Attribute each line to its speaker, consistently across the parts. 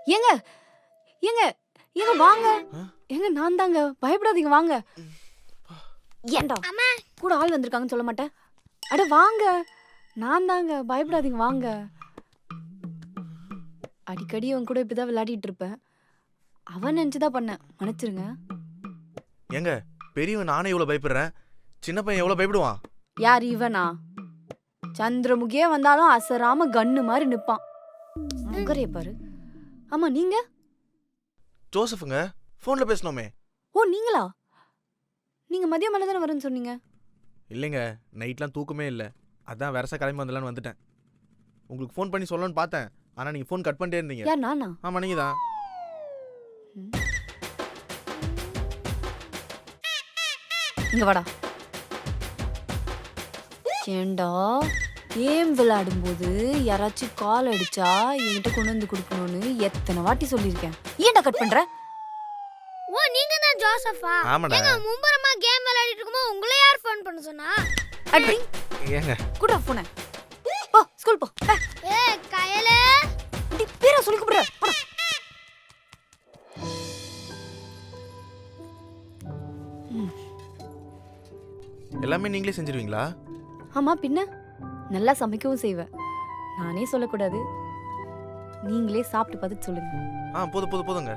Speaker 1: ஏங்க ஏங்க ஏங்க வாங்க.
Speaker 2: ஆ?
Speaker 1: ஏங்க நான் தாங்க, பயப்படாதீங்க வாங்க. ஏன்டா
Speaker 3: அம்மா
Speaker 1: கூட ஆள் வந்திருக்காங்கன்னு சொல்ல மாட்டேன்? அட வாங்க, நான் தாங்க, பயப்படாதீங்க வாங்க. அடிக்கடி அவன் கூட இப்படிதான் விளையாடிட்டு இருப்பேன். அவன் நினைச்சுதான் பண்ணேன், மன்னிச்சிருங்க.
Speaker 2: ஏங்க பெரியவன் நானே இவ்வளவு பயப்படுறேன், சின்ன பையன் எவ்வளவு பயப்படுவான்?
Speaker 1: யார் இவனா? சந்திரமுகியே வந்தாலும் அசராம கன்னு மாதிரி நிப்பான். முகரைய பாரு. ஆமா நீங்க?
Speaker 2: ஜோசஃபுங்க, போன்ல பேசணுமே.
Speaker 1: ஓ நீங்களா? நீங்க மதியம் மேல தானே வரேன்னு சொன்னீங்க.
Speaker 2: இல்லைங்க, நைட்லாம் தூக்கமே இல்லை, அதான் வரசா கிளம்பி வந்துடலான்னு வந்துட்டேன். உங்களுக்கு ஃபோன் பண்ணி சொல்லணும்னு பார்த்தேன், ஆனா நீங்க ஃபோன் கட் பண்ணிட்டே இருந்தீங்க.
Speaker 1: யார் நானா?
Speaker 2: ஆமா நீங்க தான்.
Speaker 1: இங்க வாடா. ஏண்டா கேம் விளையாடும்போது யாராச்சும் கால் அடிச்சா என்கிட்ட கொண்டு வந்து கொடுக்கணும்னு எத்தனை வாட்டி சொல்லியிருக்கேன். ஏன்டா கட் பண்ற?
Speaker 3: ஓ நீங்க தான் ஜோசஃபா?
Speaker 2: ஆமாடா.
Speaker 3: ஏங்க மும்பரமா கேம் விளையாடிட்டு இருக்கும்போது உங்களை யார் ஃபோன் பண்ண சொன்னா?
Speaker 1: அடி
Speaker 2: ஏங்க
Speaker 1: கூட போனே. போ ஸ்கூல் போ.
Speaker 3: ஏய் கயலே,
Speaker 1: அடி பேரா சொல்லி கூப்பிடுற. போடா.
Speaker 2: எல்லாமே நீங்களே செஞ்சிருவீங்களா?
Speaker 1: ஆமா பின்ன நல்லா சமைக்கவும் செய்வேன். நானே சொல்லக்கூடாது, நீங்களே சாப்பிட்டு பார்த்துட்டு சொல்லுங்க.
Speaker 2: போதுங்க.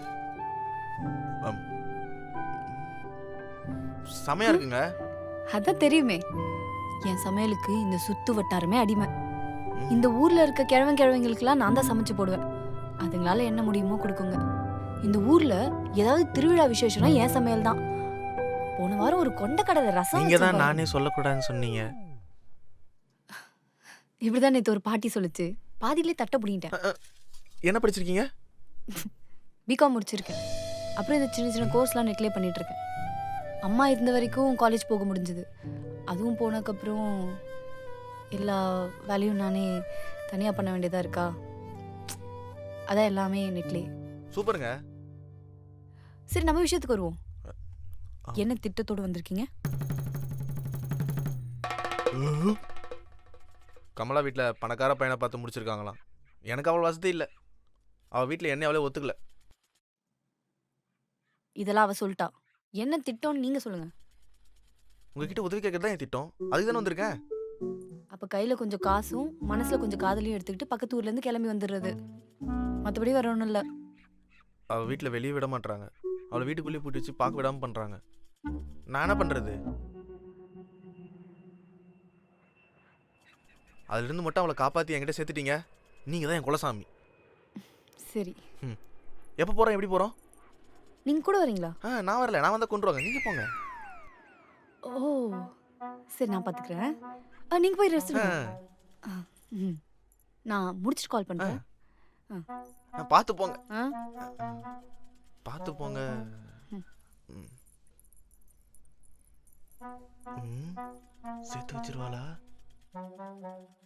Speaker 2: செமையா இருக்குங்க.
Speaker 1: அதான் தெரியுமே, என் சமையலுக்கு இந்த சுத்து வட்டாரமே அடிமை. இந்த ஊர்ல இருக்க கிழவங்களுக்கெல்லாம் நான் தான் சமைச்சு போடுவேன். அதுங்களால என்ன முடியுமோ கொடுக்குங்க. இந்த ஊர்ல ஏதாவது திருவிழா விசேஷம்னா என் சமையல் தான். போன வாரம் ஒரு கொண்டக்கடலை ரசம்
Speaker 2: நீங்க தான்
Speaker 1: வச்சேன்
Speaker 2: நானே சொல்லக்கூடாதுன்னு சொன்னீங்க.
Speaker 1: பாரு. இப்படிதான் நேத்து ஒரு பாட்டி சொல்லுச்சு, பாதியிலே தட்ட புடிங்கிட்டேன்.
Speaker 2: என்ன படிச்சிருக்கீங்க?
Speaker 1: பிகாம் முடிச்சிருக்கேன். அப்புறம் இந்த சின்ன சின்ன கோர்ஸ்லாம் நெட்லேயே பண்ணிட்டு இருக்கேன். அம்மா இருந்த வரைக்கும் காலேஜ் போக முடிஞ்சது. அதுவும் போனதுக்கப்புறம் எல்லா வேலையும் நானே தனியாக பண்ண வேண்டியதாக இருக்கா, அதான் எல்லாமே நெட்லேயே.
Speaker 2: சூப்பருங்க.
Speaker 1: சரி நம்ம விஷயத்துக்கு வருவோம். என்ன திட்டத்தோடு வந்திருக்கீங்க?
Speaker 2: கமலா வீட்டில் பணக்கார பையனை பார்த்து முடிச்சிருக்காங்களாம். எனக்கு அவ்வளோ வசதி இல்லை, அவள் வீட்டில் என்ன அவளே ஒத்துக்கல.
Speaker 1: இதெல்லாம் அவ சொல்லிட்டா. என்ன திட்டம்னு நீங்க சொல்லுங்க.
Speaker 2: உங்ககிட்ட உதவி கேட்கறது தான் என் திட்டம், அதுக்கு தானே வந்திருக்கேன்.
Speaker 1: அப்ப கையில கொஞ்சம் காசும் மனசுல கொஞ்சம் காதலையும் எடுத்துக்கிட்டு பக்கத்து ஊர்ல இருந்து கிளம்பி வந்துடுறது. மற்றபடி வர ஒன்றும் இல்லை.
Speaker 2: அவள் வீட்டில் வெளியே விட மாட்டாங்க, அவளை வீட்டுக்குள்ளேயே பூட்டி வச்சு பார்க்க விடாமல் பண்ணுறாங்க. நான் என்ன பண்ணுறது? அதுலேருந்து மட்டும் அவளை காப்பாற்றி என்கிட்ட சேர்த்துட்டீங்க, நீங்கள் தான் என் குலசாமி.
Speaker 1: சரி
Speaker 2: எப்போ போகிறோம், எப்படி போகிறோம்?
Speaker 1: நீங்க கூட வரீங்களா?
Speaker 2: நான் வரல, நான் வந்தால் கொண்டு வாங்க, நீங்கள் போங்க.
Speaker 1: ஓ சரி நான் பார்த்துக்கிறேன். நீங்க போய் ரெஸ்ட் எடுங்க. நான் முடிச்சுட்டு கால் பண்றேன்.
Speaker 2: பார்த்து போங்க,
Speaker 1: ஆ
Speaker 2: பார்த்து போங்க. சேர்த்து வச்சிருவாளா?